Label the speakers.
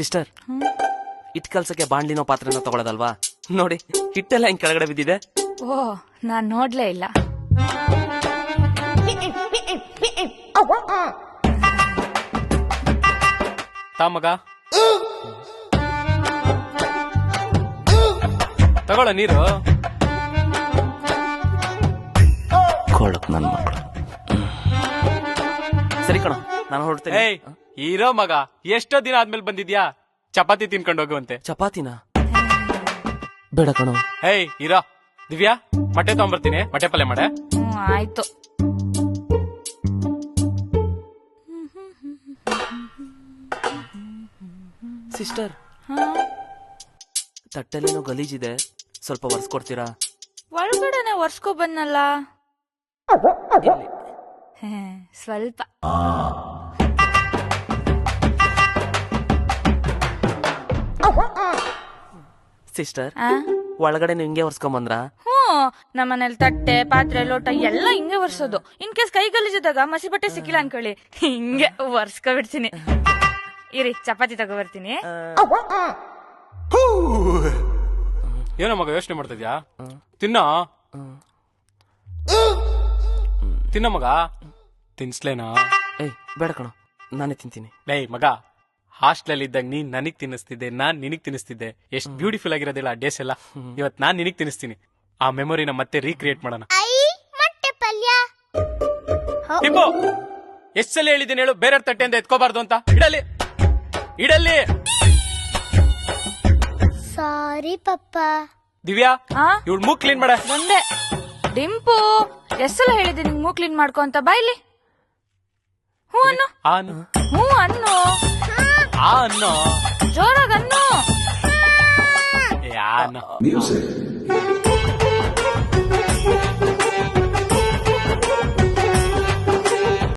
Speaker 1: Sister, hit ಕಲ್ಸಕ್ಕೆ ಬಾಣ್ಲಿನೋ ಪಾತ್ರೆನೋ ತಗೊಳ್ಳೋದಲ್ವಾ? ನೋಡಿ ಹಿಟ್ಟೆಲ್ಲ ಹಿಂಗ್ ಕೆಳಗಡೆ ಬಿದ್ದಿದೆ.
Speaker 2: ಓ, ನಾನ್ ನೋಡ್ಲೇ ಇಲ್ಲ.
Speaker 3: ಮಗ ತಗೊಳ ನೀರು.
Speaker 1: ಕೊಳಕ್ ನನ್ ಮಕ್ಕಳು. ಸರಿ ಕಣ, ನಾನು ಹೊರಡ್ತೇನೆ.
Speaker 3: ಏಯ್ ಇರೋ ಮಗ, ಎಷ್ಟೋ ದಿನ ಆದ್ಮೇಲೆ ಬಂದಿದ್ಯಾ? ಚಪಾತಿ ತಿನ್ಕೊಂಡು ಹೋಗುವಂತೆ.
Speaker 1: ಚಪಾತಿನ ಬೇಡ ಕಣೋ.
Speaker 3: ಏಯ್ ಇರೋ. ದಿವ್ಯಾ, ಮೊಟ್ಟೆ ತಗೊಂಬರ್ತೀನಿ, ಮೊಟ್ಟೆ ಪಲ್ಯ ಮಾಡೆ.
Speaker 2: ಆಯ್ತು.
Speaker 1: ಸಿಸ್ಟರ್, ತಟ್ಟೆಲ್ಲೇನೋ ಗಲೀಜಿದೆ, ಸ್ವಲ್ಪ ಒರೆಸ್ಕೊಡ್ತೀರಾ?
Speaker 2: ಒಳಗಡೆನೆ ಒರ್ಸ್ಕೊ ಬಂದಲ್ಲ. ಸ್ವಲ್ಪ.
Speaker 1: ಸಿಸ್ಟರ್, ಒಳಗಡೆ ಹಿಂಗೆ ಒರ್ಸ್ಕೊಂಬಂದ್ರ?
Speaker 2: ನಮ್ಮನೇಲಿ ತಟ್ಟೆ ಪಾತ್ರೆ ಲೋಟ ಎಲ್ಲ ಹಿಂಗೆ ಒರ್ಸೋದು. ಇನ್ ಕೇಸ್ ಕೈ ಗಲೀಜಿದಾಗ ಮಸಿ ಬಟ್ಟೆ ಸಿಕ್ಕಿಲ್ಲ ಅನ್ಕೊಳ್ಳಿ, ಹಿಂಗೆ ಒರ್ಸ್ಕೊ ಬಿಡ್ತೀನಿ. ಇರಿ, ಚಪಾತಿ ತಗೋ ಬರ್ತೀನಿ.
Speaker 3: ಏನೋ ಮಗ ಯೋಚನೆ ಮಾಡ್ತಿದ್ಯಾ? ತಿನ್ನೋ ತಿನ್ನ ಮಗ. ತಿನ್ಸ್ಲೇನಾ?
Speaker 1: ಏಯ್ ಬೇಡ ಕಣೋ, ನಾನೇ ತಿಂತೀನಿ.
Speaker 3: ಏಯ್ ಮಗ, ಹಾಸ್ಟೆಲ್ ಇದ್ದಾಗ ನೀನ್ ನನಗ್ ತಿನ್ನಿಸ್ತಿದ್ದೆ, ನಾನ್ ನಿನಗ್ ತಿನ್ನಿಸ್ತಿದ್ದೆ. ಎಷ್ಟ್ ಬ್ಯೂಟಿಫುಲ್ ಆಗಿರೋದಿಲ್ಲ ಆ ಡೇಸ್ ಎಲ್ಲ. ಇವತ್ ನಾನ್ ನಿನಗ್ ತಿನ್ನಿಸ್ತೀನಿ. ಆ ಮೆಮೊರಿನ ಮತ್ತೆ ರೀಕ್ರಿಯೇಟ್ ಮಾಡೋಣ. ಟಿಂಬು, ಎಷ್ಟ್ ಸಲ ಹೇಳಿದ್ದೀನಿ ಹೇಳು, ಬೇರೆ ತಟ್ಟೆಯಿಂದ ಎತ್ಕೋಬಾರ್ದು ಅಂತ. ಇಡಲಿ ಇಡಲಿ.
Speaker 4: ಸಾರಿ ಪಪ್ಪ.
Speaker 3: ದಿವ್ಯಾ, ಇವಳು ಮೂಗ್ ಕ್ಲೀನ್ ಮಾಡ.
Speaker 2: ಬಂದೆ. ಡಿಂಪು, ಎಷ್ಟೆಲ್ಲ ಹೇಳಿದೆ ನಿಂಗ್ ಮೂಗ್ ಕ್ಲೀನ್ ಮಾಡ್ಕೊ ಅಂತ. ಬಾಯ್ಲಿ. ಹ್ಞೂ ಅನ್ನು. ಹ್ಞೂ ಅನ್ನು.
Speaker 3: ಅನ್ನೋ
Speaker 2: ಜೋರಾಗ ಅನ್ನು.
Speaker 3: ಯಾ